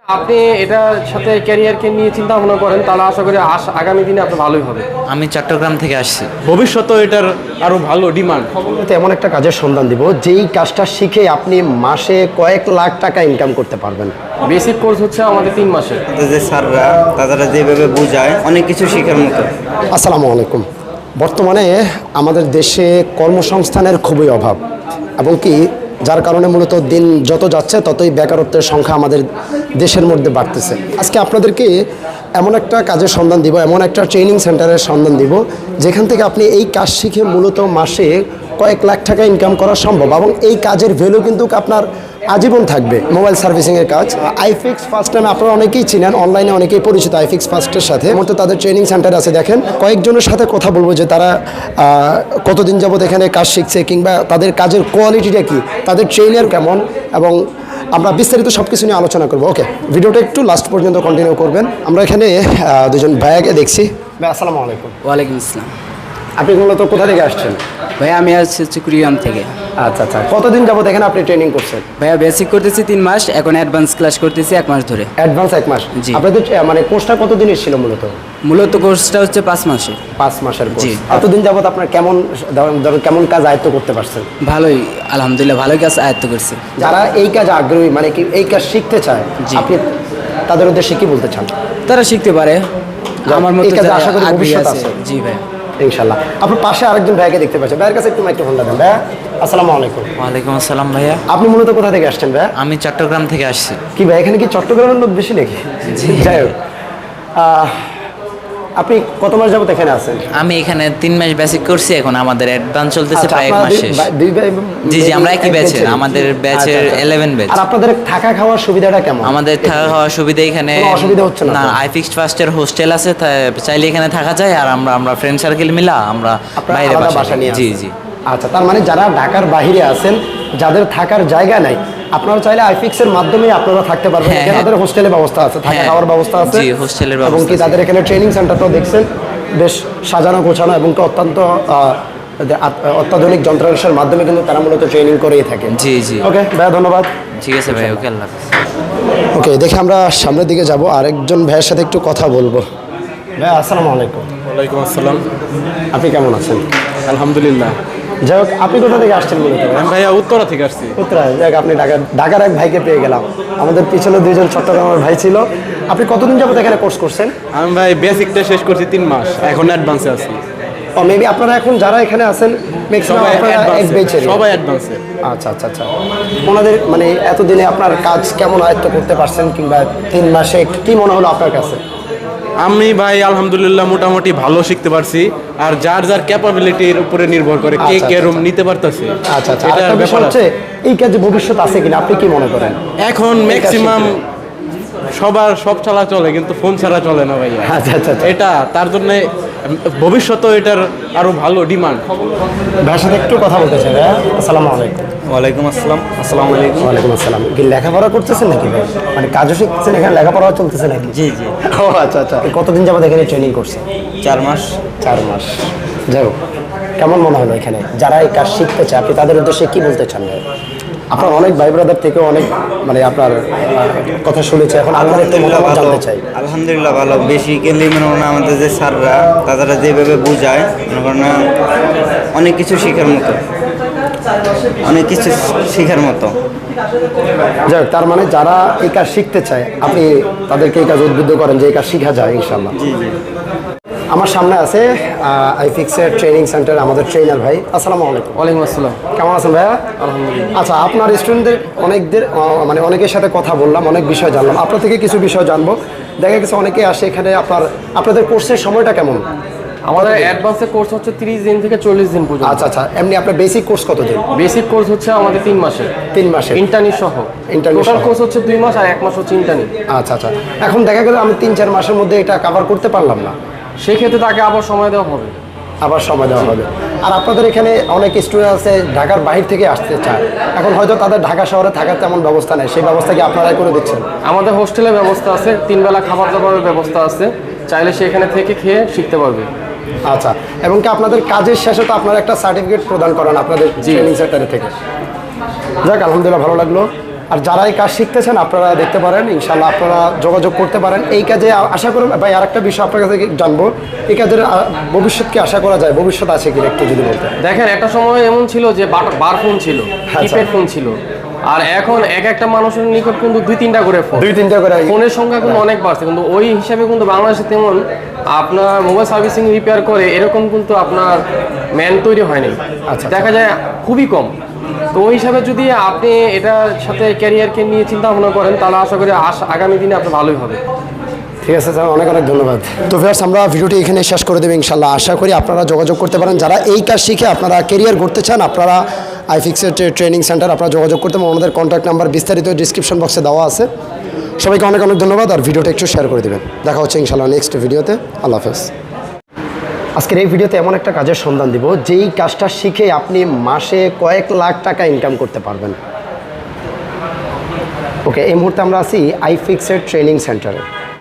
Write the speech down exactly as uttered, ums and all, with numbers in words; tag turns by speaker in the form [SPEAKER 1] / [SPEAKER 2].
[SPEAKER 1] আপনি এটার সাথে ক্যারিয়ারকে নিয়ে চিন্তা ভাবনা করেন তাহলে আশা করি আস- আগামী দিনে আপনার ভালোই হবে।
[SPEAKER 2] আমি চট্টগ্রাম থেকে আসছি।
[SPEAKER 3] ভবিষ্যতে এটার আরো ভালো ডিমান্ড।
[SPEAKER 4] তো এমন একটা কাজের সন্ধান দিব যেই কাজটা শিখে আপনি মাসে কয়েক লাখ টাকা ইনকাম করতে পারবেন।
[SPEAKER 1] বেসিক কোর্স হচ্ছে আমাদের তিন মাসের।
[SPEAKER 5] যে স্যাররা তারা যেভাবে বোঝায় অনেক কিছু শেখার মতো।
[SPEAKER 4] আসসালামু আলাইকুম। বর্তমানে আমাদের দেশে কর্মসংস্থানের খুবই অভাব এবং কি যার কারণে মূলত দিন যত যাচ্ছে ততই বেকারত্বের সংখ্যা আমাদের দেশের মধ্যে বাড়তেছে। আজকে আপনাদেরকে এমন একটা কাজের সন্ধান দিব, এমন একটা ট্রেনিং সেন্টারের সন্ধান দিব যেখান থেকে আপনি এই কাজ শিখে মূলত মাসে কয়েক লাখ টাকা ইনকাম করা সম্ভব এবং এই কাজের ভ্যালু কিন্তু আপনার আজীবন থাকবে। মোবাইল সার্ভিসিংয়ের কাজ আইফিক্স ফার্স্ট টাইম আপনারা অনেকেই চিনেন, অনলাইনে অনেকেই পরিচিত আইফিক্স ফার্স্টের সাথে। মূলত তাদের ট্রেনিং সেন্টার আছে। দেখেন কয়েকজনের সাথে কথা বলবো যে তারা কতদিন যাবত এখানে কাজ শিখছে কিংবা তাদের কাজের কোয়ালিটিটা কী, তাদের ট্রেনার কেমন, এবং আমরা বিস্তারিত সব কিছু নিয়ে আলোচনা করবো। ওকে, ভিডিওটা একটু লাস্ট পর্যন্ত কন্টিনিউ করবেন। আমরা এখানে দুজন ভাইয়াকে দেখছি। ভাই আসসালামু আলাইকুম।
[SPEAKER 2] ওয়ালাইকুম আসসালাম।
[SPEAKER 4] আপনি মূলত কোথা থেকে আসছেন?
[SPEAKER 2] ভাইয়া আমি আসছি হচ্ছে কুড়িগ্রাম থেকে।
[SPEAKER 4] আচ্ছা আচ্ছা, কতদিন যাবত এখানে আপনি ট্রেনিং করছেন?
[SPEAKER 2] ভাইয়া বেসিক করতেছি তিন মাস, এখন অ্যাডভান্স ক্লাস করতেছি এক মাস ধরে।
[SPEAKER 4] অ্যাডভান্স এক মাস?
[SPEAKER 2] জি।
[SPEAKER 4] আপনাদের আহ, মানে কোর্সটা কতদিনের ছিল মূলত?
[SPEAKER 2] মূলত কোর্সটা হচ্ছে পাঁচ মাসের।
[SPEAKER 4] পাঁচ মাসের কোর্স।
[SPEAKER 2] জি।
[SPEAKER 4] এতদিন যাবত আপনার কেমন ধরুন ধরুন কেমন কাজ আয়ত্ত করতে পারছেন?
[SPEAKER 2] ভালোই, আলহামদুলিল্লাহ ভালোই কাজ আয়ত্ত করছি।
[SPEAKER 4] যারা এই কাজ আগ্রহী, মানে কি এই কাজ শিখতে চায়,
[SPEAKER 2] জি।
[SPEAKER 4] আপনি তাদের উদ্দেশ্যে কি বলতে চান?
[SPEAKER 2] তারা শিখতে পারে আমার মতো
[SPEAKER 4] এই কাজে
[SPEAKER 2] যারা
[SPEAKER 4] আশা করি
[SPEAKER 2] আগ্রহী
[SPEAKER 4] ভবিষ্যৎ
[SPEAKER 2] আছে।
[SPEAKER 4] আছে।
[SPEAKER 2] জি ভাই।
[SPEAKER 4] ইনশাল্লাহ। আপনার পাশে আরেকজন ভাইকে দেখতে পাচ্ছেন, ভাইয়ের কাছে একটু মাইক্রোফোনটা দেন। ভাইয়া আসসালামু আলাইকুম।
[SPEAKER 2] ওয়ালাইকুম আসসালাম ভাইয়া।
[SPEAKER 4] আপনি মূলত কোথা থেকে আসছেন ভাইয়া?
[SPEAKER 2] আমি চট্টগ্রাম থেকে আসছি।
[SPEAKER 4] কি ভাই এখানে কি চট্টগ্রামের লোক বেশি নাকি? যাই হোক, আহ, আপনি কত মাস যাবত এখানে আছেন?
[SPEAKER 2] আমি এখানে তিন মাস বেসিক করছি, এখন আমাদের অ্যাডভান্স চলতেছে
[SPEAKER 4] আচ্ছা,
[SPEAKER 2] প্রায় এক
[SPEAKER 4] আপনারা
[SPEAKER 2] মাস
[SPEAKER 4] দুই-
[SPEAKER 2] শেষ।
[SPEAKER 4] বা- দুই ভাই-
[SPEAKER 2] জি জি, আমরা একই
[SPEAKER 4] এক
[SPEAKER 2] ব্যাচের,
[SPEAKER 4] ব্যাচের?
[SPEAKER 2] আমাদের ব্যাচের
[SPEAKER 4] আচ্ছা, আচ্ছা।
[SPEAKER 2] Eleven batch.
[SPEAKER 4] আর আপনাদের থাকা খাওয়ার সুবিধাটা কেমন?
[SPEAKER 2] আমাদের থাকা খাওয়ার সুবিধা এখানে
[SPEAKER 4] কোনো অসুবিধা হচ্ছে না
[SPEAKER 2] না।
[SPEAKER 4] তো?
[SPEAKER 2] আইফিক্সড ফার্স্টের হোস্টেল আছে, তা- চাইলে এখানে থাকা যায়। আর আমরা আমরা ফ্রেন্ড সার্কেল মিলা আমরা
[SPEAKER 4] আপনারা
[SPEAKER 2] বাইরে
[SPEAKER 4] আলাদা
[SPEAKER 2] বাসা
[SPEAKER 4] বাসা নিয়ে
[SPEAKER 2] জি
[SPEAKER 4] আছেন?
[SPEAKER 2] জি।
[SPEAKER 4] আচ্ছা, তার মানে যারা ঢাকার বাইরে আছেন, যাদের থাকার জায়গা নাই, আপনারা চাইলে আইফিক্সের মাধ্যমে আপনারা থাকতে পারবেন।
[SPEAKER 2] হ্যাঁ,
[SPEAKER 4] এখানে তাদের হোস্টেলের ব্যবস্থা আছে, থাকা
[SPEAKER 2] হ্যাঁ,
[SPEAKER 4] খাওয়ার ব্যবস্থা আছে।
[SPEAKER 2] জি, হোস্টেলের
[SPEAKER 4] এবং
[SPEAKER 2] ব্যবস্থা
[SPEAKER 4] কি
[SPEAKER 2] আছে।
[SPEAKER 4] তাদের এখানে ট্রেনিং সেন্টারটাও দেখছেন বেশ সাজানো গোছানো এবং কি অত্যন্ত আহ, অত্যাধুনিক যন্ত্রাংশের মাধ্যমে কিন্তু তারা মূলত ট্রেনিং করেই থাকে।
[SPEAKER 2] জি জি।
[SPEAKER 4] ওকে ভাইয়া, ধন্যবাদ।
[SPEAKER 2] ঠিক আছে ভাই, ওকে, আল্লাহ হাফেজ।
[SPEAKER 4] ওকে, দেখে আমরা সামনের দিকে যাব, আরেকজন ভাইয়ের সাথে একটু কথা বলবো। ভাইয়া আসসালামু আলাইকুম।
[SPEAKER 3] ওয়ালাইকুম আসসালাম।
[SPEAKER 4] আপনি কেমন আছেন?
[SPEAKER 3] আলহামদুলিল্লাহ।
[SPEAKER 4] যাই হোক, আপনি কোথা থেকে আসছেন মূলত?
[SPEAKER 3] আমি ভাইয়া উত্তরা থেকে আসছি।
[SPEAKER 4] উত্তরায়। যাই হোক, আপনি ঢাকার ঢাকার এক ভাইকে পেয়ে গেলাম। আমাদের পিছনে দুইজন চট্টগ্রামের ভাই ছিল। আপনি কতদিন যাবত এখানে কোর্স করছেন?
[SPEAKER 3] আমি ভাই বেসিকটা শেষ করছি তিন মাস, এখন অ্যাডভান্সে আছি।
[SPEAKER 4] ও মেবি আপনারা এখন যারা এখানে আছেন ম্যাক্সিমাম
[SPEAKER 3] সবাই
[SPEAKER 4] আপনারা এক
[SPEAKER 3] অ্যাডভান্সে,
[SPEAKER 4] ব্যাচের।
[SPEAKER 3] সবাই অ্যাডভান্সে।
[SPEAKER 4] আচ্ছা আচ্ছা আচ্ছা। ওনাদের মানে এতদিনে আপনার কাজ কেমন আয়ত্ত করতে পারছেন, কিংবা তিন মাসে কি মনে হলো আপনার কাছে?
[SPEAKER 3] আমি ভাই আলহামদুলিল্লাহ মোটামুটি ভালো শিখতে পারছি। আর যার যার ক্যাপাবিলিটির উপরে নির্ভর করে কে
[SPEAKER 4] আচ্ছা,
[SPEAKER 3] কে
[SPEAKER 4] আচ্ছা,
[SPEAKER 3] রুম নিতে পারতেছে।
[SPEAKER 4] আচ্ছা আচ্ছা।
[SPEAKER 3] এটার
[SPEAKER 4] আরেকটা বিষয়
[SPEAKER 3] ব্যাপার
[SPEAKER 4] হচ্ছে
[SPEAKER 3] আছে।
[SPEAKER 4] এই কাজে ভবিষ্যৎ আছে কিনা আপনি কি মনে করেন?
[SPEAKER 3] এখন ম্যাক্সিমাম সবার সব ছাড়া চলে, কিন্তু ফোন ছাড়া চলে না ভাইয়া।
[SPEAKER 4] আচ্ছা আচ্ছা আচ্ছা।
[SPEAKER 3] এটা তার জন্য ভবিষ্যতে এটার আরো ভালো ডিমান্ড।
[SPEAKER 4] ভাইয়ের সাথে একটু কথা বলতে চাই। ভাইয়া আসসালামু আলাইকুম।
[SPEAKER 5] ওয়ালাইকুম আসসালাম। আসসালামু আলাইকুম।
[SPEAKER 4] ওয়ালাইকুম আসসালাম। কি লেখাপড়া করতেছেন নাকি ভাই? মানে কাজও শিখতেছেন, এখানে লেখাপড়াও চলতেছে নাকি?
[SPEAKER 5] জি জি।
[SPEAKER 4] ও আচ্ছা আচ্ছা। কতদিন যাবত এখানে ট্রেনিং করছেন?
[SPEAKER 5] চার মাস।
[SPEAKER 4] চার মাস। যাই হোক, কেমন মনে হলো এখানে যারা এই কাজ শিখতে চায়, আপনি তাদের উদ্দেশ্যে কি বলতে চান ভাই? আপনার অনেক ভাই ব্রাদার থেকে অনেক মানে আপনার আহ, কথা শুনেছে, এখন আপনার একটু মতামত জানতে চাই।
[SPEAKER 5] আলহামদুলিল্লাহ ভালো। বেসিক্যালি মনে হয় আমাদের যে স্যাররা তারা যেভাবে বোঝায় মনে করেন না অনেক কিছু শেখার মতো, অনেক কিছু শেখার মতো।
[SPEAKER 4] যাই হোক, তার মানে যারা এই কাজ শিখতে চায় আপনি তাদেরকে এই কাজ উদ্বুদ্ধ করেন যে এই কাজ শেখা যায় ইনশাল্লাহ।
[SPEAKER 5] জি জি।
[SPEAKER 4] আমার সামনে আছে আইফিক্সের ট্রেনিং সেন্টার আমাদের ট্রেনার ভাই। আসসালামু আলাইকুম।
[SPEAKER 1] ওয়ালাইকুম আসসালাম।
[SPEAKER 4] কেমন আছেন ভাইয়া? আলহামদুলিল্লাহ। আচ্ছা, আপনার স্টুডেন্টদের অনেকদের আহ, মানে অনেকের সাথে কথা বললাম, অনেক বিষয় জানলাম, আপনার থেকে কিছু বিষয় জানবো। দেখা গেছে অনেকে আসে এখানে, আপনার আপনাদের কোর্সের সময়টা কেমন?
[SPEAKER 1] আমাদের অ্যাডভান্সের কোর্স হচ্ছে তিরিশ দিন থেকে চল্লিশ দিন পর্যন্ত।
[SPEAKER 4] আচ্ছা আচ্ছা। এমনি আপনার বেসিক কোর্স কতদিন?
[SPEAKER 1] বেসিক কোর্স হচ্ছে আমাদের তিন মাসের।
[SPEAKER 4] তিন মাসে
[SPEAKER 1] ইন্টার্নি সহ।
[SPEAKER 4] Internee
[SPEAKER 1] টোটাল
[SPEAKER 4] সহ।
[SPEAKER 1] কোর্স হচ্ছে দুই মাস আর এক মাস হচ্ছে ইন্টার্নি।
[SPEAKER 4] আচ্ছা আচ্ছা। এখন দেখা গেল আমি তিন চার মাসের মধ্যে এটা কভার করতে পারলাম না,
[SPEAKER 1] সেক্ষেত্রে তাকে আবার সময় দেওয়া হবে।
[SPEAKER 4] আবার সময় দেওয়া হবে। আর আপনাদের এখানে অনেক স্টুডেন্ট আছে ঢাকার বাইরে থেকে আসতে চায়, এখন হয়তো তাদের ঢাকা শহরে থাকার তেমন ব্যবস্থা নেই, সেই ব্যবস্থা কি আপনারাই করে দিচ্ছেন?
[SPEAKER 1] আমাদের হোস্টেলের ব্যবস্থা আছে, তিন বেলা খাবার দাবারের ব্যবস্থা আছে, চাইলে সেখানে থেকে খেয়ে শিখতে পারবে।
[SPEAKER 4] আচ্ছা, এবং কি আপনাদের কাজের শেষে তো আপনারা একটা সার্টিফিকেট প্রদান করেন আপনাদের ট্রেনিং সেন্টারে থেকে। যাক, আলহামদুলিল্লাহ ভালো লাগলো। আর যারা এই কাজ শিখতেছেন আপনারা দেখতে পারেন, ইনশাল্লাহ আপনারা যোগাযোগ করতে পারেন এই কাজে। আ- আশা করুন ভাই, আরেকটা বিষয় আপনার কাছে জানবো, এই কাজের আ, ভবিষ্যৎ কি আশা করা যায়, ভবিষ্যৎ আছে কি একটু যদি বলতেন।
[SPEAKER 1] দেখেন একটা সময় এমন ছিল যে বার- বার ফোন ছিল, কিপ্যাড ফোন ছিল, আর এখন এক একটা মানুষের নিকট কিন্তু দুই তিনটা করে ফোন,
[SPEAKER 4] দুই তিনটা করে
[SPEAKER 1] ফোনের সংখ্যা কিন্তু অনেক বাড়ছে, কিন্তু ওই হিসাবে কিন্তু বাংলাদেশে তেমন আপনার মোবাইল সার্ভিসিং রিপেয়ার করে এরকম কিন্তু আপনার ম্যান তৈরি হয়নি।
[SPEAKER 4] আচ্ছা।
[SPEAKER 1] দেখা যায় খুবই কম। তো ওই হিসাবে যদি আপনি এটার সাথে ক্যারিয়ারকে নিয়ে চিন্তা ভাবনা করেন তাহলে আশা করি আস- আগামী দিনে আপনার ভালোই হবে।
[SPEAKER 4] ঠিক আছে স্যার, অনেক অনেক ধন্যবাদ। তো ভিউয়ার্স, আমরা ভিডিওটি এখানে শেষ করে দেবো ইনশাল্লাহ। আশা করি আপনারা যোগাযোগ করতে পারেন, যারা এই কাজ শিখে আপনারা কেরিয়ার করতে চান, আপনারা আইফিক্সের ট্রেনিং সেন্টার আপনারা যোগাযোগ করতে পারেন। আমাদের কন্ট্যাক্ট নাম্বার বিস্তারিত ডিসক্রিপশন বক্সে দেওয়া আছে। সবাইকে অনেক অনেক ধন্যবাদ, আর ভিডিওটা একটু শেয়ার করে দেবেন। দেখা হচ্ছে ইনশাল্লাহ নেক্সট ভিডিওতে। আল্লাহ হাফেজ। আজকের এই ভিডিওতে এমন একটা কাজের সন্ধান দিব, যেই কাজটা শিখে আপনি মাসে কয়েক লাখ টাকা ইনকাম করতে পারবেন। ওকে, এই মুহূর্তে আমরা আছি আইফিক্সের ট্রেনিং সেন্টারে।